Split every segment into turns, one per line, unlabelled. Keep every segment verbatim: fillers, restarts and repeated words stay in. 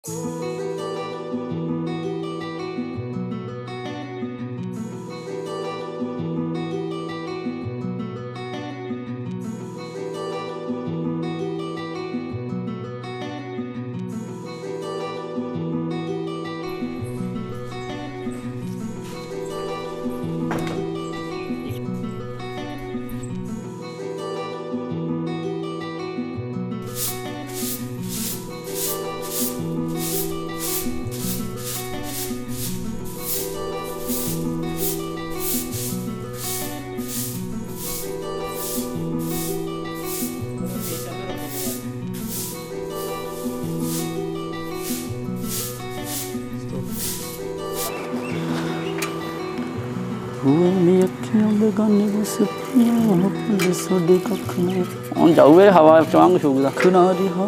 ਹੁਣ ਜਾਊਗੇ ਹਵਾ ਚਵਾਂਗ ਛੂਕਦਾ ਖੁਨਾ ਰਿਹਾ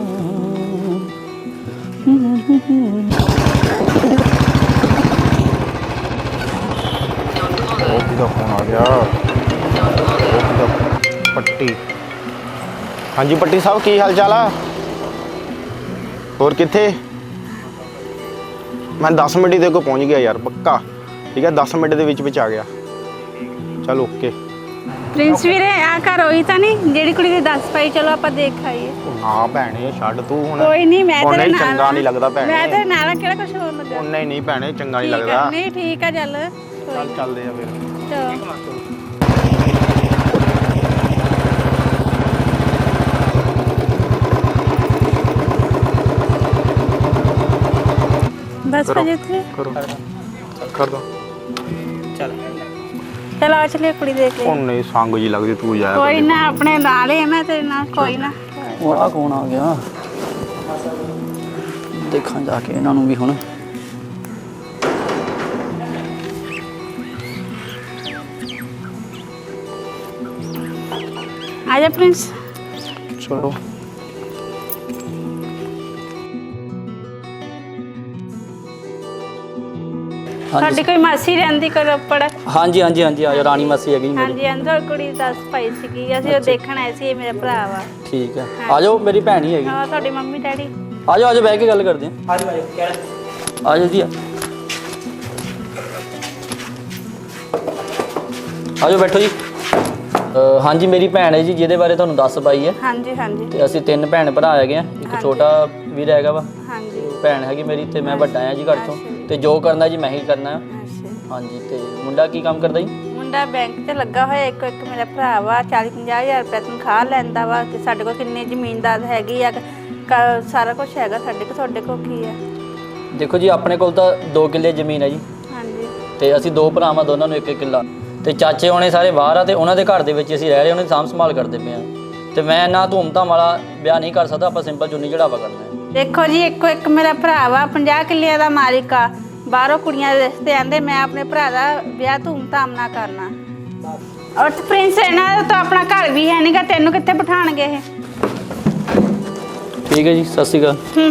ਦਾ ਫੋਨ ਆ ਗਿਆ। पट्टी हाँ जी पट्टी साहब की हाल चाल आ और किथे मैं दस मिनट ही को पहुँच गया यार पक्का ठीक है दस मिनट के विच विच आ गया चल ओके।
प्रिंस वीरे आ घर होई तां नहीं जेड़ी कुड़ी दी दस पाई चलो आपां देख आईए।
हां भैणे छड्ड तू हुण
कोई नहीं मैं तेरे नाल
चंगा नहीं लगदा भैणे
मैं तेरे नाल केड़ा कुछ होर लगा
नहीं नहीं भैणे चंगा नहीं लगदा
नहीं ठीक है चल
चल चलदे आ फिर
चलो बस बजे थे
करो कर दो
चल चल आ चलिए कुड़ी देख ले
नहीं संग जी लगदी तू जाया
कोई ना अपने नाल है मैं तेरे नाल कोई ना
वाह कौन आ गया देखा जाके इन्हां नूं भी हुण
आजा प्रिंस
चलो
साडी कोई मासी रहंदी करप्पड़
हाँ जी हाँ जी हाँ जी आ जाओ रानी मासी हैगी
हाँ
मेरी
जी अंदर कुड़ी दस पाई सीगी ਅਸੀਂ ਉਹ ਦੇਖਣ ਆਏ ਸੀ ਇਹ ਮੇਰਾ ਭਰਾ ਵਾ
ठीक है आ जाओ मेरी भैन ही हैगी
ਹਾਂ ਤੁਹਾਡੀ ਮੰਮੀ ਡੈਡੀ
आ जाओ आ जाओ बैठ के गल करते हैं आ जाओ आ जाओ जी आ जाओ बैठो जी हाँ जी मेरी भैन है जी जिहदे बारे तुहानूं दस पाई है
ਹਾਂਜੀ ਹਾਂਜੀ
ਤੇ ਅਸੀਂ ਤਿੰਨ ਭੈਣ ਭਰਾ ਹੈਗੇ ਆ ਇੱਕ ਛੋਟਾ ਵੀਰ ਹੈਗਾ ਵਾ
ਹਾਂਜੀ
ਭੈਣ ਹੈਗੀ ਮੇਰੀ ਤੇ ਮੈਂ ਵੱਡਾ ਆ ਜੀ ਘਰ ਤੋਂ ਤੇ ਜੋ ਕਰਨਾ ਜੀ ਮੈਂ ਹੀ ਕਰਨਾ ਆ
ਅੱਛਾ
ਹਾਂਜੀ ਤੇ ਮੁੰਡਾ ਕੀ ਕੰਮ ਕਰਦਾ ਜੀ
ਮੁੰਡਾ ਬੈਂਕ 'ਚ ਲੱਗਾ ਹੋਇਆ ਇੱਕ ਇੱਕ ਮੇਰਾ ਭਰਾ ਵਾ ਚਾਲੀ ਪੰਜਾਹ ਹਜ਼ਾਰ ਰੁਪਏ ਤਨਖਾਹ ਲੈਂਦਾ ਵਾ ਤੇ ਸਾਡੇ ਕੋਲ ਕਿੰਨੀ ਜ਼ਮੀਨਦਾਰ ਹੈਗੀ ਆ ਕ- ਸਾਰਾ ਕੁਝ ਹੈਗਾ ਸਾਡੇ ਕੋਲ ਤੁਹਾਡੇ ਕੋਲ ਕੀ ਆ
ਦੇਖੋ ਜੀ ਆਪਣੇ ਕੋਲ ਤਾਂ ਦੋ ਕਿੱਲੇ ਜ਼ਮੀਨ ਹੈ ਜੀ
ਹਾਂਜੀ
ਤੇ ਅਸੀਂ ਦੋ ਭਰਾਵਾਂ ਦੋਨਾਂ ਨੂੰ ਇੱਕ ਇੱਕ ਕਿੱਲਾ ਤੇ ਚਾਚੇ ਹੋਣੇ ਸਾਰੇ ਬਾਹਰ ਆ ਤੇ ਉਹਨਾਂ ਦੇ ਘਰ ਦੇ ਵਿੱਚ ਅਸੀਂ ਰਹਿ ਰਹੇ ਉਹਨਾਂ ਦੀ ਸਾਂਭ ਸੰਭਾਲ ਕਰਦੇ ਪਏ ਆ ਤੇ ਮੈਂ ਨਾ ਧੂਮ-ਧਾਮ ਵਾਲਾ ਵਿਆਹ ਨਹੀਂ ਕਰ ਸਕਦਾ ਆਪਾਂ ਸਿੰਪਲ ਚੁੰਨੀ ਚੜਾਵਾ ਕਰਨਾ ਹੈ।
ਦੇਖੋ ਜੀ ਇੱਕੋ ਇੱਕ ਮੇਰਾ ਭਰਾ ਵਾ ਪੰਜਾਹ ਕਿੱਲਿਆਂ ਦਾ ਮਾਲਿਕ ਆ ਬਾਹਰੋਂ ਕੁੜੀਆਂ ਦੇ ਰਿਸ਼ਤੇ ਆਂਦੇ ਮੈਂ ਆਪਣੇ ਭਰਾ ਦਾ ਵਿਆਹ ਧੂਮ-ਧਾਮ ਨਾਲ ਕਰਨਾ ਔਰ ਪ੍ਰਿੰਸ ਇਹਨਾਂ ਦਾ ਤਾਂ ਆਪਣਾ ਘਰ ਵੀ ਹੈ ਨਹੀਂਗਾ ਤੈਨੂੰ ਕਿੱਥੇ ਬਿਠਾਣਗੇ ਇਹ
ਠੀਕ ਹੈ ਜੀ ਸਤਿ ਸ਼੍ਰੀ ਅਕਾਲ
ਹੂੰ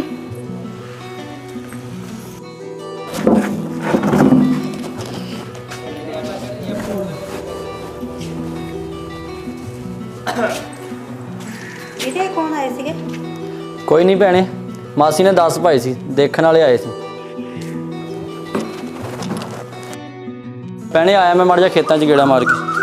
ਇਹਦੇ ਕੌਣ ਆਏ ਸੀਗੇ
ਕੋਈ ਨਹੀਂ ਭੈਣੇ ਮਾਸੀ ਨੇ ਦਸ ਪਾਏ ਸੀ ਦੇਖਣ ਵਾਲੇ ਆਏ ਸੀ ਭੈਣੇ ਆਇਆ ਮੈਂ ਮਾੜਾ ਜਿਹਾ ਖੇਤਾਂ 'ਚ ਗੇੜਾ ਮਾਰ ਕੇ